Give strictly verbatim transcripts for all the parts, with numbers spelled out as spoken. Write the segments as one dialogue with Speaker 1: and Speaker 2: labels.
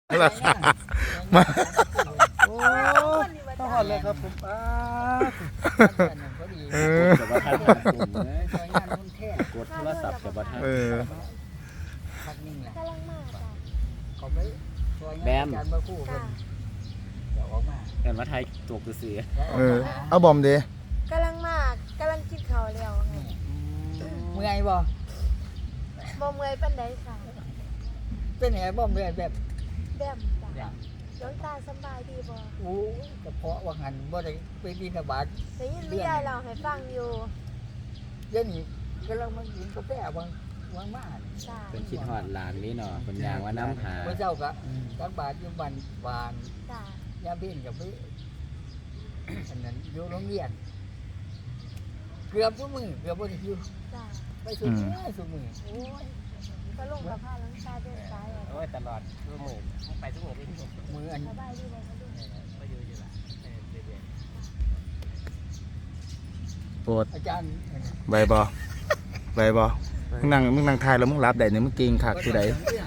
Speaker 1: มา
Speaker 2: โอ้ต้องหอดเลยครับผมป้า
Speaker 1: เออ
Speaker 3: แต่ว่าท่านกดโทรศัพท์แต่ว่าท่าน
Speaker 1: เออ
Speaker 2: พักนิ่งแหละ
Speaker 4: กำลังมากจ้ะ
Speaker 2: เขาไปแบมจานมาคู่กันเดี๋ยวออกมา
Speaker 3: เห็นว่าไทยตกเสือ
Speaker 1: เออเอาบอมเด้
Speaker 4: กำลังมากกำลังกินข้าวแล้วไง
Speaker 2: เมื่อยบ่
Speaker 4: บ่เมื่อยปานใดค่ะ
Speaker 2: เป็นไงบ่เมื่อยแบบ
Speaker 4: แบมจ้ะหลวงตาสำบายดีบ่
Speaker 2: โอ้กระเพาะว่าหันบ่ได้ไปบินบาต
Speaker 4: ได้ยินแม่ยายเล่าให้ฟังอยู่
Speaker 2: เดี๋ยวนี้กำลังมากินกาแฟบางบางมา
Speaker 4: จ้ะ
Speaker 3: เป็นคิดฮอดหลานนี่เนาะเป็นยางว่าน้ำหา
Speaker 2: พระเจ้าก็ตักบาตรอยู่บ้านบ้าน
Speaker 4: จ้ะ
Speaker 2: ยามเพ็ญกับไปอันนั้นอยู่โรงเรียนเกือบทุกมื้อเกือบบ่ได้อยู่
Speaker 4: จ้ะ
Speaker 2: ไปสุดมื้อสุดมื้อโอ้ย
Speaker 4: ก็ลงกับผ้าหลวงตาเดินสายอะ
Speaker 5: โอ้ยตลอดทุกหมื่นไปทุกหมื่นที่ผม
Speaker 2: มื้ออัน
Speaker 4: สบายดีบ่คะลุง
Speaker 5: ก็อยู่อยู่ละเรื่อย
Speaker 1: ปวด
Speaker 2: อาจารย์
Speaker 1: ใบบอใบบอมึงนั่งมึงนั่งทายแล้วมึงรับได้เนี่ยมึงเก่งคักที่ใด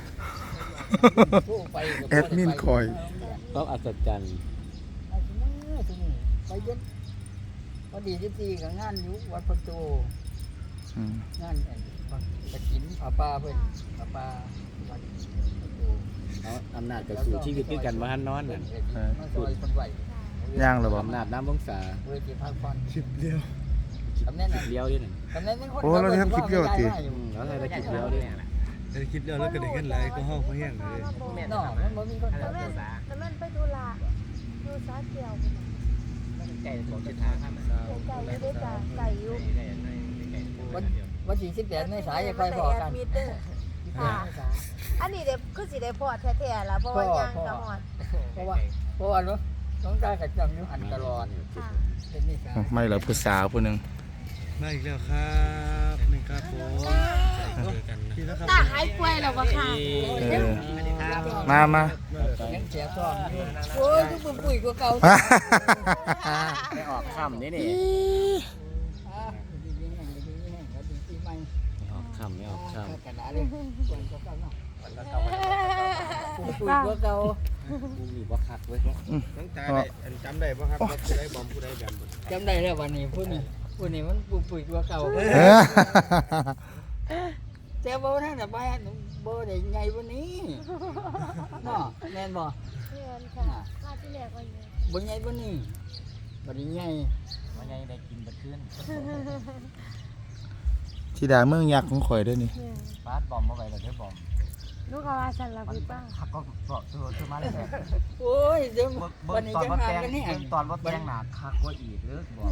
Speaker 1: แอดมินคอย
Speaker 3: ต้องอัศจรรย์
Speaker 2: ไปเย็ดพอดีที่ตีกับงานอยู่วัดประตู
Speaker 1: อืม
Speaker 2: งานกระถินผาป่าเพิ่นผาป่าวัดประตู
Speaker 3: เอาอำนาจกับสู่ชีวิตด้วยกันว่าท่านนอนน่ะ
Speaker 2: มาซอยคนไหว
Speaker 1: ย่างหรือบ่
Speaker 3: อำนาจน้ำวงศา
Speaker 2: เวทีพักผ่อน
Speaker 1: คลิปเดียว
Speaker 2: ตำแหน่งน่ะ
Speaker 3: เลี้ยวด้วยนั่น
Speaker 2: ตำแหน่งเป็นคน
Speaker 1: โอ้เราจะทำคลิปเดียวติ
Speaker 3: อืมแล้วไทยได้คิดเลี้ยวด้วย
Speaker 6: ในคลิปเดียวแล้วก็ได้เงินหลายก็ห้องเขาแห้งเลย
Speaker 2: เนาะมันบ่มีคน
Speaker 4: แล้ว
Speaker 2: ทำ
Speaker 4: แม่นแล้วแม่นไปธุระอยู่สาเกี่ยว
Speaker 5: ๆใจผมจะทางข้าม
Speaker 4: ไก่อยู่ด้วยจ้ะไก่อยู่
Speaker 2: วันวันที่สิบแปดเมษายนค่อยพอกัน
Speaker 4: มิเตอร์ค่ะ อันนี้เด็กคือสิได้พอดแท้ๆล่ะเพราะว่าย่างกะหอด
Speaker 2: เพราะว่าเพราะว่าเนาะน้องตากับจำอยู่หันตลอด
Speaker 4: ค่ะ
Speaker 2: เป็นนิสัย
Speaker 1: ไม่เหรอผู้สาวผู้หนึง
Speaker 6: มาอีกแล้วครับหนึ่งครับผมเจอกันนะพี่นะครับ
Speaker 4: ตาหายป่วยแล้วบ่ค่ะ
Speaker 1: เออมามา
Speaker 2: ยังเสียซ้อมอยู่โอ้ยทุกปุ๋ยกว่าเก่า
Speaker 3: ไม่ออกค่ำนี่นี่
Speaker 2: อ่าดีๆแห้งดีๆแห้งแล้วดีปีใหม่
Speaker 3: ไม่ออกค่ำไม่ออกค่
Speaker 2: กระดาษเลยปุ๋ยกว่าเก่าเนาะ
Speaker 5: แล้วก็
Speaker 2: ปุ๋ยกว่าเก่า
Speaker 3: ำมึงมีบ่คักเว้ย
Speaker 6: น้องตาได้อันจำได้ป่ะครับว่าผู้ใดบอมผู้ใดแบม
Speaker 2: จำได้แล้ววันนี้พูดนี่พูดนี่มันปุ๋ยปุ๋ยกว่าเก่า
Speaker 1: เออ
Speaker 2: แต่บ่ท่านน่ะบ้านบ่ได้ใหญ่วันนี้เนาะแม่นบ่
Speaker 4: เพื่อนค่ะมาที่แรกว่าอยู่
Speaker 2: บ่ใหญ่วันนี้บ่ได้ใหญ่
Speaker 5: วันนี้ได้กินบัดขึ้น
Speaker 1: ธิดาเมืองยักษ์ของข่อยเด้วยนี่
Speaker 4: เนี่ย
Speaker 5: บาสบอมมาไปเลยเด้อบอม
Speaker 4: ลูกก็ว่าฉันละพี่ป้า
Speaker 5: ขับก็บอกตัวตัวมาเลย
Speaker 2: โอ้ยเดี๋ยว
Speaker 5: เบิ่
Speaker 2: วัน
Speaker 5: ง
Speaker 2: นี้
Speaker 5: ตอน
Speaker 2: จะ
Speaker 5: รถ
Speaker 2: หา
Speaker 5: แดง
Speaker 2: กันแน่
Speaker 5: เบิ่งตอนรถแดงหนาคักกว่าอีกเด้อบอก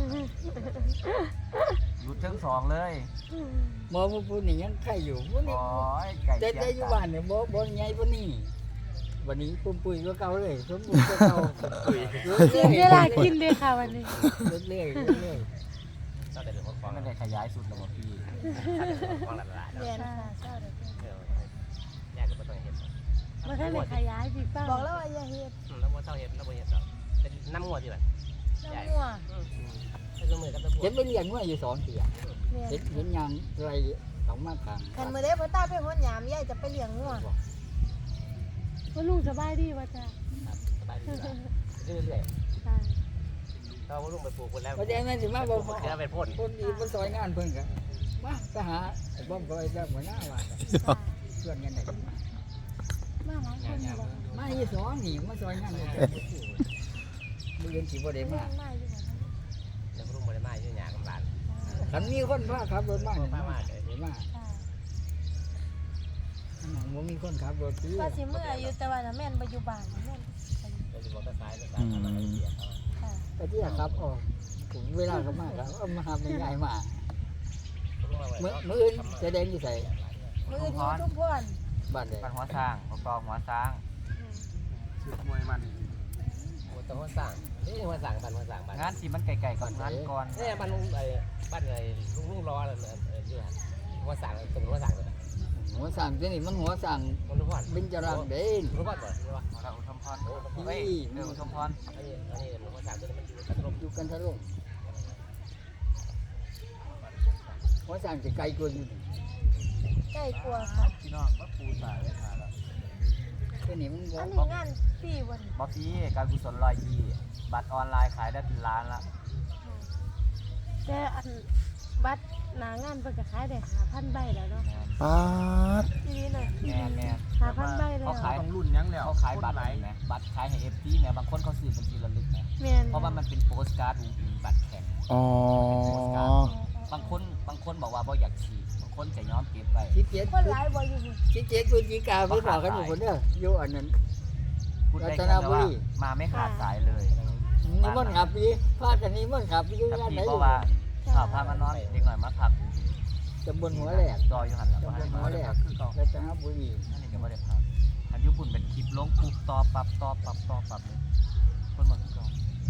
Speaker 5: หยุดทั้งสองเลย
Speaker 2: หมอผู้นี่ยังไข่อยู่ผู้นี่
Speaker 5: โอ้ยไก่
Speaker 2: แต่
Speaker 5: เจี
Speaker 2: แต่อยู่
Speaker 5: ย
Speaker 2: บ้านเนี่ยบ่บ่ใหญ่ปานนี้วันนี้ปุ๋ยปุ๋ยกว่าเก่าเลยสมบูรณ์กว่าเก่าปุ๋ยเรื่
Speaker 4: เสีย
Speaker 2: อย
Speaker 4: เวลากินเลยค่ะวันนี้
Speaker 2: ๆเรื่อยๆเรื่อย
Speaker 5: ตั้งแต่เดี๋ยวผมไม่ได้ขยายสุดแล้วพี่ฟังหลายๆแล้ว
Speaker 4: เรียนค่ะเจ้าเด็ก
Speaker 5: แยกกันไปต้องเห็น
Speaker 4: มาแค่ไหนขยายพี่ป้าบอกแล้วว่าอย่าเฮ็ด
Speaker 5: แล้วว่าเท่าเห็นแล้วบ่เห็นแล้วเป็นน้ำงัวที่แบบ
Speaker 4: น้ำงัว
Speaker 5: เป็นมือกับตะ
Speaker 2: ๆ
Speaker 5: บัว
Speaker 2: เห็นเป็นเลี้ยงไว้อยู่สองเที่ย
Speaker 4: เรียน
Speaker 2: เห็นเห็นยังไรสองมากกลาง
Speaker 4: คันมื้อใดพ่อตาไปหดหยามยายจะไปเลี้ยงงัวว่าลุงสบายดีว่าจ้ะ
Speaker 5: สบายดีเรื่อย
Speaker 4: ค่ะ
Speaker 5: ๆเราลุงไปปลูกคนแล้ว
Speaker 2: เพราะฉะนั้นสิมาบ่
Speaker 5: เดี๋ยวไปพ่น
Speaker 2: คนดีมันซอยงานเพิ่นก็มาไปหาไอ้บ้อมก็ไอ้แบบหัวหน้าว่า
Speaker 4: ค่ะ
Speaker 2: เพื่อนกันได้กันมา
Speaker 4: มาหลายคนอยู่บ่
Speaker 2: มาอีสองนี่มาซอยงานเลยมื้อเย็นสิบ่ได้
Speaker 4: เลี้
Speaker 2: มาย
Speaker 4: งมาอยู่บ่
Speaker 5: เดี๋ยวลุงบ่ได้มาอยู่หยากำลัง
Speaker 2: คันมีคนพาขับรถมาเนี่ย
Speaker 5: พามา
Speaker 2: ได้มา
Speaker 4: ค่ะ
Speaker 2: อันนั้นบ่มีคนขับรถซื้อ
Speaker 4: ว่าสิเมื่ออยู่แต่ว่าน่ะแม่นบ่อยู่บ้านน่ะแม่น
Speaker 5: เราจะบอกก็ซ้ายก็ซ้ายมาเสียเขา
Speaker 4: ค่ะ
Speaker 2: ไปที่ครับออกผมเวลาก็มากครับเอามาหาไม่ง่ายมาเมื่อเมื่ออื่นจะแดงอยู่ใส่
Speaker 4: มื้ออยู่ทุกพร
Speaker 2: บ้านใด
Speaker 5: บ้านหัวสร้างประกอบหัวสร้าง
Speaker 6: ชุดมวยมัน
Speaker 5: หัวตัวหัวสร้างนี่หัวสร้างบ้านหัวสร้างบ้านงานที่มันไกลๆก่อนงานก่อนเนี่ยบ้านลุงไอ้บ้านไอ้ลุงลุงรอเลยอยู่หัวสร้างตรงหัวสร้างเลย
Speaker 2: หัวสั่งที่นี่มันหัวสั่ง
Speaker 5: มันรู้ว่า
Speaker 2: เป็นจรังเด่น
Speaker 5: รู้ว่าก่อนรู้ว่าเราอุทมพรเฮ้ยเอออุทมพรอันนี้อันนี้หัวสร้างตัวนี้มันอยู่กันลม
Speaker 2: อยู่กันทะลุหัวสั่งจะไกลกว่าอยู่
Speaker 4: ใกล้กลัวค่ะ
Speaker 5: พี่น้องว่าปูตายเลยค่ะแล้ว
Speaker 2: ไปตัวนี้มันบ่
Speaker 4: อันนี้งานฟรีวัน
Speaker 5: บอฟฟี่การกุศลลอยยี่บัตรออนไลน์ขายได้เป็นล้านละ
Speaker 4: แต่อันบัตรหนางานเพิ่นก็ขายได้ห้าพันใบแล้วเนาะ
Speaker 1: ป๊าด
Speaker 4: ทีนี้น่ะ
Speaker 5: แม่แม่
Speaker 4: ห้าพันใบแล้ว
Speaker 5: เขาขาย
Speaker 3: ต้องรุ่นยังแล้ว
Speaker 5: เขาขายบัตรไหมบัตรขายให้เอฟซีเนี่ยบางคนเขาซื้อเป็นทีละลึกนะ
Speaker 4: แม่น
Speaker 5: เพราะว่ามันเป็นโปสการ์ดอุ้งอิงบัตรแข็ง
Speaker 1: อ๋อ
Speaker 5: บางคนบางคนบอกว่าบ่อยากฉีดบางคนจะย้อมเก็บไป
Speaker 2: สิบเจ็ด
Speaker 4: คนหลายบ่อยู่พุ่น
Speaker 2: สิบเจ็ดพฤศจิกาไปบอกกันหมดคนเด้ออยู่อันนั้น
Speaker 5: พูดได้
Speaker 2: รัต
Speaker 5: แค่
Speaker 2: นบุ
Speaker 5: ว่า
Speaker 2: รี
Speaker 5: มาไม่ขาดสายเลย
Speaker 2: นี่มันขับดีพากันนี่มันขับอยู่
Speaker 5: แต่
Speaker 2: งานไหน
Speaker 5: พี่เพราะว่าข่าวพามานอนเด็กหน่อยมาพัก
Speaker 2: ตำบลหัวแหลก
Speaker 5: จอยอยู่หันหลัง
Speaker 2: ตำบ
Speaker 5: มา
Speaker 2: ลหัวแหลก
Speaker 5: คือเก่า
Speaker 2: รัตนบุรี
Speaker 5: อันนี้ก็ไม่ได้พักอันยุคุณเป็นคลิปลงปุ๊บต่อปรับต่อปรับต่อปรับเลยคนหมดคือเก่า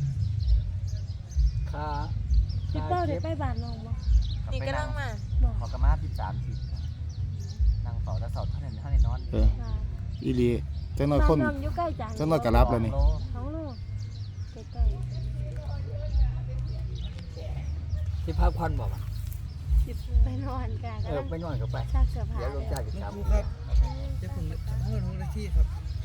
Speaker 2: คา
Speaker 4: พี่เป้าได้ไปบ้านน้องบ่
Speaker 5: นี่กำลังมา
Speaker 4: บ่
Speaker 5: ขอกระมาที่สามสิบนั่งเฝ้าแต่เสาท่านเห็นท่านเห็นนอน
Speaker 1: เอออีหลีจังน้อยคน
Speaker 4: บ้าองอยู่ใกล้จัง
Speaker 1: จังน้อยก็รับแล้วนี่
Speaker 4: สองโลใกล้
Speaker 2: ที่พักผ่อนบอกว่า
Speaker 4: ๆสิไปนอนกัน
Speaker 2: เออไปนอนกับไป
Speaker 4: ซักเสื้อผ้า
Speaker 2: เดี๋ยวลงจากจะ
Speaker 6: ค
Speaker 2: กลับ
Speaker 6: รูครับเดี๋ยวผมเพิ่มหน้าที่ครับ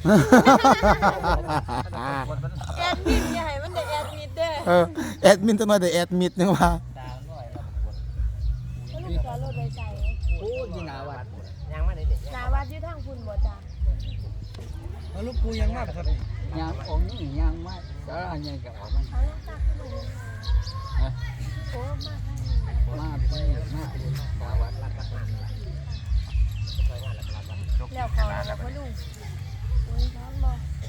Speaker 5: คนมัน
Speaker 4: แอดมิดอย่าให้มันได้แอดมิดเด้อ
Speaker 1: เออแอดมินจังน้อยได้แอดมิดนึงว่า
Speaker 5: ดาวน้อยเราปวด
Speaker 4: มันลูกจอดรถไว้ใส่
Speaker 2: โอ้ยนาวัด
Speaker 5: ยังไม่ได้เด็ก
Speaker 4: หน้าวัดอยู่ทางพุ่นบ่จ้า
Speaker 6: เอาลูกปูยังมากครับ
Speaker 2: ยางองค์นี่ยางไม้สาราใหญ่กับออกมัน
Speaker 4: เอายังตักขึ้นมาเลยโอ้มาทางนี้
Speaker 2: มาพี่มาพี่สาวัดรัตน
Speaker 4: แล้วเขาแล้วพ่อลุงโอ้ยร้อนบ่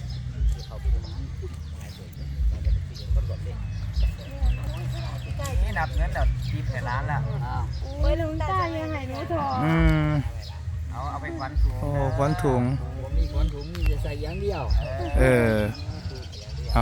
Speaker 5: นี่นับเงินแล้วทีแผ่ร้านแล้ว
Speaker 2: อ้าว
Speaker 4: โอ้ยลุงตายังให้หนูถอ
Speaker 1: อืม
Speaker 5: เอาเอาไปควันถุง
Speaker 1: โอ้ควันถุง
Speaker 2: ผมมีคนถุงมีจะใส่อย่างเดียว
Speaker 1: เออ เอา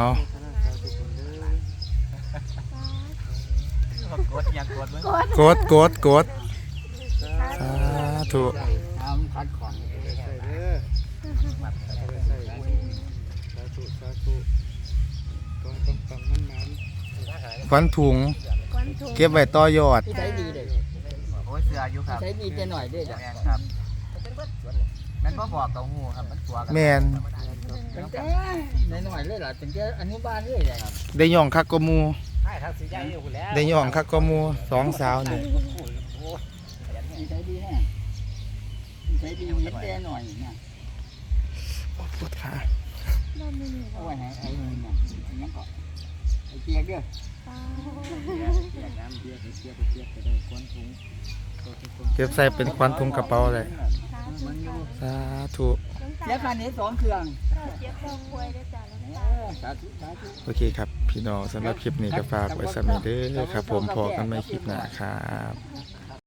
Speaker 5: กดยังกดมึง
Speaker 4: กด
Speaker 1: กดกดกดสาธุ
Speaker 2: ทำพัดของ
Speaker 6: ใส่เด้อใส่สาธุสาธุกองกำปังมันมัน
Speaker 1: ควันถุง
Speaker 4: ควันถุง
Speaker 1: เก็บไว้ต่อยอด
Speaker 2: ที่ใช้ดีเลย
Speaker 5: โอ้ยเสืออยู่ครับ
Speaker 2: ใช้ดีแต่หน่อยด้วยจ้ะ
Speaker 5: แมนครับนั่นก็บอกเต้าหู้ครับมันตัวกัน
Speaker 1: แมน
Speaker 2: ตั้งแต่ในหน่อยเลยล่ะตั้งแต่อนุบาลเลยจ้ะ
Speaker 1: ได้ย่องคักกว่าหมู
Speaker 5: ใช่ทางสีใหญ่อยู่แล้ว
Speaker 1: ได้ย่องคักกว่าหมูสองสาวนี่
Speaker 2: ใช้ดีแน่ใช้ดีเห็นแต่หน่อยเนี่ย
Speaker 1: ปวดขา
Speaker 4: นั่นนี่นี่
Speaker 2: เอาไว้ให้ไอ้นี่เนี่ยยังก็ไอ้เกียกเด้อ
Speaker 4: ป้า
Speaker 2: เกียกน้ำเกียกเกียกเกียกก็ได้ควนถุง
Speaker 1: เก็บใส่เป็นควันถุงกระเป๋าเลย
Speaker 2: มันอยู่
Speaker 1: สาธุ
Speaker 2: แล้วพันนี้สองเครื่อง
Speaker 4: เจ็บคอป่วยได้จ้ะลุง
Speaker 2: เอ
Speaker 4: ตา
Speaker 2: อสาธุสาธุ
Speaker 1: โอเคครับ พี่น้องสำหรับคลิปนี้ก็ฝากไว้สำหรับเด้อครับ ผมพอกันใหม่คลิปหน้าครับ